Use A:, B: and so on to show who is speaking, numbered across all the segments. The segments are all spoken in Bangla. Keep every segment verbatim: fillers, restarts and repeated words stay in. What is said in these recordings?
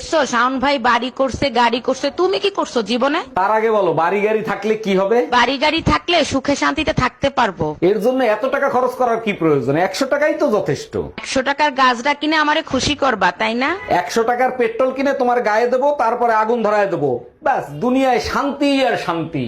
A: দেখছো শাওন ভাই বাড়ি করছে, গাড়ি করছে, তুমি কি করছো জীবনে?
B: তার আগে বলো বাড়ি গাড়ি থাকলে কি হবে?
A: বাড়ি গাড়ি থাকলে সুখে শান্তিতে থাকতে পারবো।
B: এর জন্য এত টাকা খরচ করার কি প্রয়োজন? একশো টাকাই তো যথেষ্ট।
A: একশো টাকার গাছটা কিনে আমারে খুশি করবা, তাই না?
B: একশো টাকার পেট্রোল কিনে তোমার গায়ে দেবো, তারপরে আগুন ধরায় দেবো, ব্যাস দুনিয়ায় শান্তি আর শান্তি।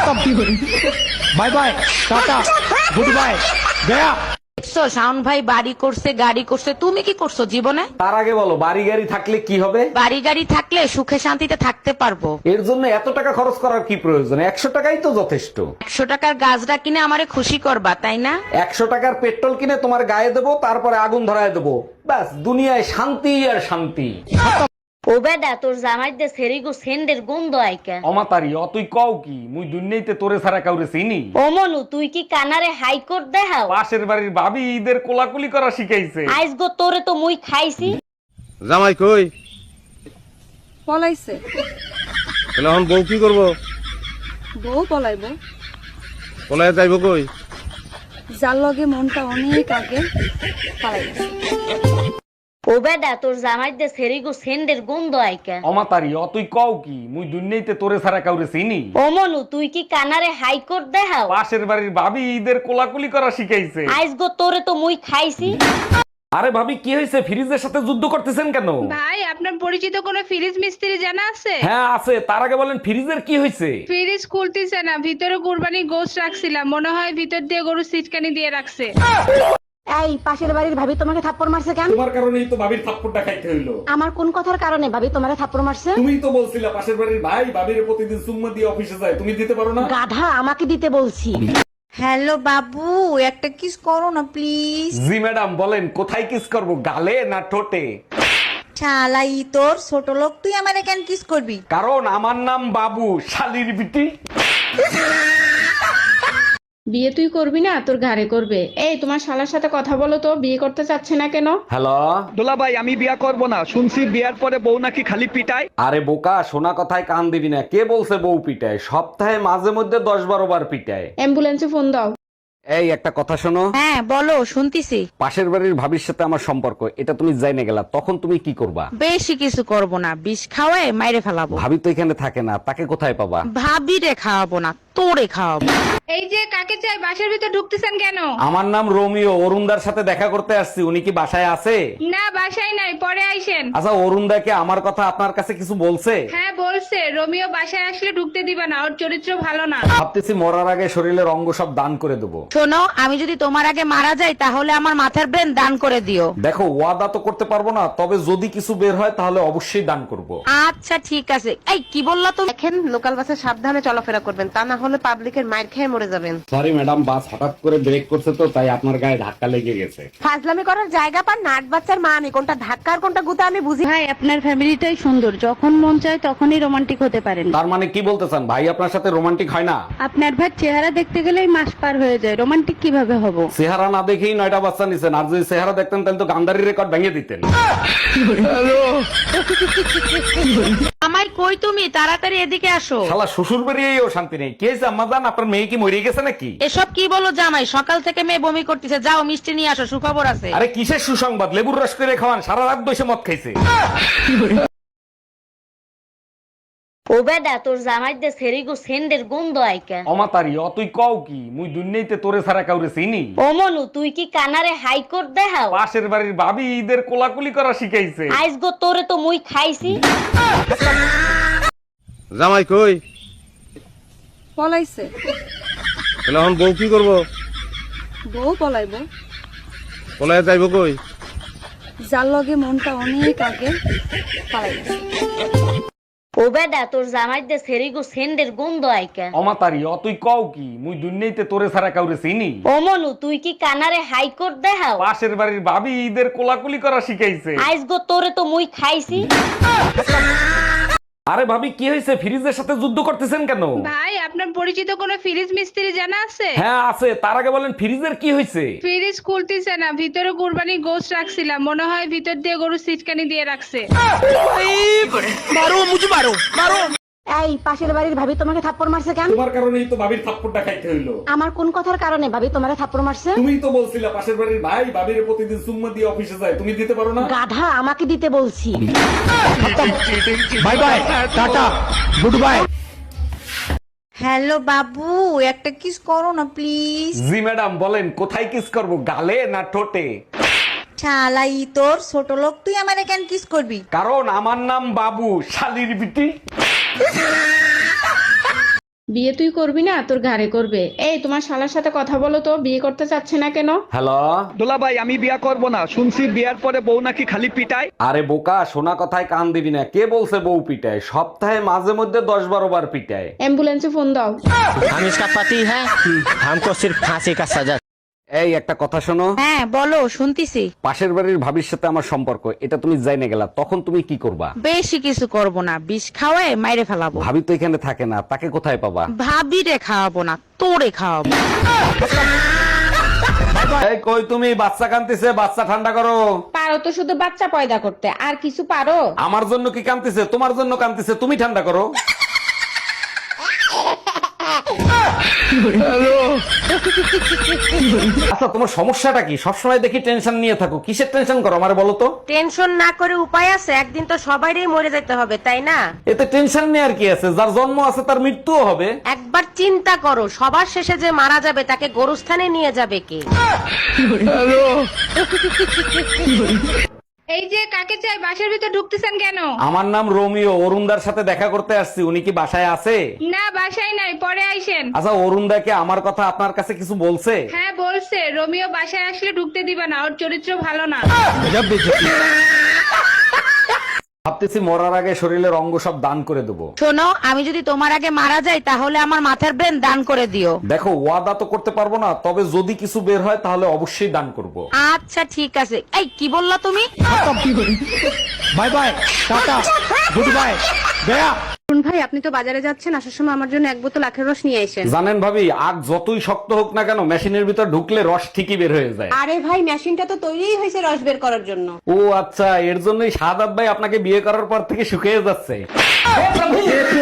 C: Bye bye, tata, good bye, গয়া।
A: দেখছো শাওন ভাই বাড়ি করছে, গাড়ি করছে, তুমি কি করছো জীবনে?
B: তার আগে বলো বাড়ি গাড়ি থাকলে কি হবে?
A: বাড়ি গাড়ি থাকলে সুখে শান্তিতে থাকতে পারবো।
B: এর জন্য এত টাকা খরচ করার কি প্রয়োজন? একশো টাকাই তো যথেষ্ট।
A: একশো টাকার গাছটা কিনে আমারে খুশি করবা, তাই না?
B: একশো টাকার পেট্রোল কিনে তোমার গায়ে দেবো, তারপরে আগুন ধরায় দেবো, ব্যাস দুনিয়ায় শান্তি আর শান্তি।
D: ও বেডা তোর জামাই দে সেরিগো সেন্ডের গন্ধ আইকা।
B: অমাতারি অতই কও কি, মুই দুনিয়াইতে তোরে ছাড়া কাউরে চিনি?
D: ও মনু তুই কি কানারে হাইকোর্ট দেখাও?
B: পাশের বাড়ির ভাবি ঈদের কোলাকুলি করা শিখাইছে।
D: আইস গো তোরে তো মুই খাইছি।
E: জামাই কই?
F: পলাইছে।
E: তাহলে এখন বউ কি করবো?
F: বউ পলাইব।
E: পলায় যাইব কই?
F: যার লগে মনটা অনেক আগে পালাই গেছে।
D: ও বেডা তোর জামাই দে সেরিগো সেন্ডের গন্ধ আইকা।
B: অমাতারি অতই কও কি, মুই দুনিয়াইতে তোরে ছাড়া কাউরে চিনি?
D: ও মনু তুই কি কানারে হাইকোর্ট দেখাও?
B: পাশের বাড়ির ভাবি ঈদের কোলাকুলি করা শিখাইছে।
D: আইস গো তোরে তো মুই খাইছি।
B: আরে ভাবি কি হয়েছে? ফ্রিজের সাথে যুদ্ধ করতেছেন কেন?
G: ভাই আপনার পরিচিত কোনো ফ্রিজ মিস্ত্রি জানা আছে?
B: হ্যাঁ আছে, তার আগে বলেন ফ্রিজের কি হয়েছে?
G: ফ্রিজ খুলতেছে না, ভিতরে কুরবানি গোশত রাখছিলাম, মনে হয় ভিতর দিয়ে গরু সিটকানি দিয়ে রাখছে।
H: এই পাশের বাড়ির ভাবি তোমাকে থাপ্পড় মারছে কেন?
B: তোমার কারণেই তো ভাবির থাপ্পড়টা খাইতে হইলো।
H: আমার কোন কথার কারণে ভাবি তোমারে থাপ্পড় মারছে?
B: তুমিই তো বলছিলা পাশের বাড়ির ভাই ভাবির প্রতিদিন সুম্মা দিয়ে অফিসে যায়, তুমি দিতে পারো না?
H: গাধা, আমাকে দিতে বলছি।
I: হ্যালো বাবু, একটা কিস করো না প্লিজ।
B: জি ম্যাডাম বলেন, কোথায় কিস করব, গালে না ঠোঁটে?
I: শালাই তোর ছোট লোক, তুই আমারে কেন কিস করবি?
B: কারণ আমার নাম বাবু, শালির বিটি।
G: বিয়ে তুই করবি না, তোর ঘাড়ে করবে। এই তোমার শালার সাথে কথা বলো তো, বিয়ে করতে চাচ্ছে না কেন?
B: হ্যালো
C: দোলা ভাই, আমি বিয়া করব না। শুনছি বিয়ার পরে বউ নাকি খালি পিটায়।
B: আরে বোকা, শোনা কথায় কান দিবি না। কে বলছে বউ পিটায়? সপ্তাহে মাঝে মধ্যে দশ বারো বার পিটায়।
G: অ্যাম্বুলেন্সে ফোন দাও।
B: এই একটা কথা শোনো,
A: হ্যাঁ বলো, শুনতিছি।
B: পাশের বাড়ির ভাবির সাথে আমার সম্পর্ক, এটা তুমি জাইনে গেলা, তখন তুমি কি করবা?
A: বেশি কিছু করব না, বিষ খাওয়ায় মাইরে ফেলাবো।
B: ভাবি তো এখানে থাকে না, তাকে কোথায় পাবা?
A: ভাবিরে খাওয়াবো না, তোরে খাওয়াবো।
G: এই যে কাকে চাই, বাসার ভিতর ঢুকতেছেন কেন?
B: আমার নাম রোমিও, অরুণদার সাথে দেখা করতে আসছি। উনি কি বাসায় আছে?
G: না বাসায় নাই, পরে আইসেন।
B: আচ্ছা, অরুণদাকে আমার কথা আপনার কাছে কিছু বলছে?
G: হ্যাঁ বলছে, রোমিও বাসায় আসলে ঢুকতে দিবা না, ওর চরিত্র ভালো না।
B: ভাবতেছি মরার আগে শরীরের অঙ্গ সব দান করে দেবো।
A: শোনো, আমি যদি তোমার আগে মারা যাই তাহলে আমার মাথার ব্রেন দান করে দিও।
B: দেখো, ওয়াদা তো করতে পারবো না, তবে যদি কিছু বের হয় তাহলে অবশ্যই দান করব।
A: আচ্ছা ঠিক আছে। এই কি বললা তুমি?
J: দেখেন লোকাল বাসে সাবধানে চলাফেরা করবেন, তা না হলে পাবলিকের মাইর খেয়ে মরে যাবেন।
B: সরি ম্যাডাম, বাস হঠাৎ করে ব্রেক করছে তো, তাই আপনার গায়ে ধাক্কা লেগে গেছে।
J: ফাজলামি করার জায়গা পান, নাট বাচ্চার মা আমি কোনটা ধাক্কা আর কোনটা গুতা আমি বুঝি।
F: ভাই আপনার ফ্যামিলিটাই সুন্দর, যখন মন চায় তখনই রোমান্টিক হতে পারেন।
B: তার মানে কি বলতে চান, ভাই আপনার সাথে রোমান্টিক হয় না?
F: আপনার ভাই চেহারা দেখতে গেলেই মাস পার হয়ে যায়, রোমান্টিক কিভাবে হব?
B: চেহারা না দেখেই নয়টা বাচ্চা নিছেন, আর যদি চেহারা দেখতেন তাহলে তো গান্ধারি রেকর্ড ভেঙে দিতেন।
A: আমায় কই তুমি, তাড়াতাড়ি এদিকে আসো।
B: শালা শ্বশুর বাড়িয়েও শান্তি নেই। কে হয়েছে আম্মা জান, আপনার মেয়ে কি মরে গেছে নাকি?
A: এসব কি বলো জামাই, সকাল থেকে মেয়ে বমি করতেছে। যাও মিষ্টি নিয়ে আসো, সুখবর আছে।
B: আরে কিসের সুসংবাদ? লেবুর রস করে খাওয়ান, সারা রাত বসে মদ খাইছে।
D: ও বেডা তোর জামাই দে সেরিগো সেন্ডের গন্ধ আইকা।
B: অমাতারি অতই কও কি, মুই দুনিয়াইতে তোরে ছাড়া কাউরে চিনি?
D: ও মনু তুই কি কানারে হাইকোর্ট দেখাও?
B: পাশের বাড়ির ভাবি ঈদের কোলাকুলি করা শিখাইছে।
D: আইস গো তোরে তো মুই খাইছি।
E: জামাই কই?
F: পলাইছে।
E: তাহলে এখন বউ কি করবো?
F: বউ পলাইব।
E: পলায় যাইব কই?
F: যার লগে মনটা অনেক আগে পালাই গেছে।
D: ও বেডা তোর জামাই দে সেরিগো সেন্ডের গন্ধ আইকা।
B: অমাতারি অতই কও কি, মুই দুনিয়াইতে তোরে ছাড়া কাউরে চিনি?
D: ও মনু তুই কি কানারে হাইকোর্ট দেখাও?
B: পাশের বাড়ির ভাবি ঈদের কোলাকুলি করা শিখাইছে।
D: আইস গো তোরে তো মুই খাইছি।
B: আরে ভাবি কি হয়েছে? ফ্রিজের সাথে যুদ্ধ করতেছেন কেন?
G: ভাই আপনার পরিচিত কোনো ফ্রিজ মিস্ত্রি জানা আছে?
B: হ্যাঁ আছে, তার আগে বলেন ফ্রিজের কি হয়েছে?
G: ফ্রিজ খুলতেছে না, ভিতরে কুরবানি গোশত রাখছিলাম, মনে হয় ভিতর দিয়ে গরু সিটকানি দিয়ে রাখছে।
C: মারো মুঝে মারো, মারো।
H: এই পাশের বাড়ির ভাবি তোমাকে থাপ্পড় মারছে কেন?
B: তোমার কারণেই তো ভাবির থাপ্পড়টা খাইতে হইলো।
H: আমার কোন কথার কারণে ভাবি তোমারে থাপ্পড় মারছে?
B: তুমিই তো বলছিলা পাশের বাড়ির ভাই ভাবির প্রতিদিন সুম্মা দিয়ে অফিসে যায়, তুমি দিতে পারো না?
H: গাধা, আমাকে দিতে বলছি।
B: Bye bye, tata, good bye.
I: Hello বাবু, একটা কিস করো না প্লিজ।
B: জি ম্যাডাম বলেন, কোথায় কিস করব, গালে না ঠোঁটে?
I: শালাই তোর ছোট লোক, তুই আমারে কেন কিস করবি?
B: কারণ আমার নাম বাবু, শালির বিটি।
G: বিয়ে তুই করবি না, তোর ঘাড়ে করবে। এই তোমার শালার সাথে কথা বলো তো, বিয়ে করতে চাচ্ছে না কেন?
B: হ্যালো।
C: দোলা ভাই আমি বিয়া করব না, শুনছি বিয়ার পরে বউ নাকি খালি পিটায়।
B: আরে বোকা, শোনা কথায় কান দিবি না। কে বলছে বউ পিটায়? সপ্তাহে মাঝে মধ্যে দশ বারো বার পিটায়।
G: অ্যাম্বুলেন্সে ফোন দাও।
K: हम इसका पति है, हमको सिर्फ फांसी का सजा।
B: এই একটা কথা শোনো।
A: হ্যাঁ বলো, শুনতিছি।
B: পাশের বাড়ির ভাবির সাথে আমার সম্পর্ক, এটা তুমি জাইনে গেলা, তখন তুমি কি করবা?
A: বেশি কিছু করব না, বিষ খাওয়ায় মাইরে ফেলাবো।
B: ভাবি তো এখানে থাকে না, তাকে কোথায় পাবা?
A: ভাবিরে খাওয়াবো না, তোরে খাওয়াবো।
B: এই কই তুমি? বাচ্চা কান্দিছে, বাচ্চা ঠান্ডা করো।
G: পারো তো শুধু বাচ্চা পয়দা করতে, আর কিছু পারো?
B: আমার জন্য কি কান্দিছে? তোমার জন্য কান্দিছে, তুমি ঠান্ডা করো। আচ্ছা তোমার সমস্যাটা কি? সবসময় দেখি টেনশন নিয়ে থাকো, কিসের টেনশন করো আমারে বলো তো?
A: টেনশন না করে উপায় আছে? একদিন তো সবাইরই মরে যেতে হবে, তাই না?
B: এতে টেনশন নিয়ে আর কি আছে? যার জন্ম আছে তার মৃত্যুও হবে।
A: একবার চিন্তা করো, সবার শেষে যে মারা যাবে তাকে গোরস্থানে নিয়ে যাবে কে?
G: এই যে কাকে চাই, বাসার ভিতর ঢুকতেছেন কেন?
B: আমার নাম রোমিও, অরুণদার সাথে দেখা করতে আসছি। উনি কি বাসায় আছে?
G: না, বাসায় নাই, পরে আইসেন।
B: আচ্ছা অরুণদাকে আমার কথা আপনার কাছে কিছু বলছে?
G: হ্যাঁ বলছে, রোমিও বাসায় আসলে ঢুকতে দিবা না, ওর চরিত্র ভালো না।
B: ভাবতেছি মরার আগে শরীরের অঙ্গ সব দান করে দেবো।
A: শোনো, আমি যদি তোমার আগে মারা যাই তাহলে আমার মাথার ব্রেন দান করে দিও।
B: দেখো ওয়াদা তো করতে পারবো না, তবে যদি কিছু বের হয় তাহলে অবশ্যই দান করব।
A: আচ্ছা ঠিক আছে। এই কি বললা তুমি?
B: Bye bye, tata, good bye, গয়া।
J: ভাই আপনি তো বাজারে যাচ্ছেন, আসার সময় আমার জন্য এক বোতল আখের রস নিয়ে আসেন।
B: জানেন ভাবি, আগ যতই শক্ত হোক না কেন, মেশিনের ভিতর ঢুকলে রস ঠিকই বের হয়ে যায়।
J: আরে ভাই, মেশিনটা তো তৈরিই হয়েছে রস বের করার জন্য।
B: ও আচ্ছা, এর জন্যই সাদাত ভাই আপনাকে বিয়ে করার পর থেকে শুকিয়ে যাচ্ছে।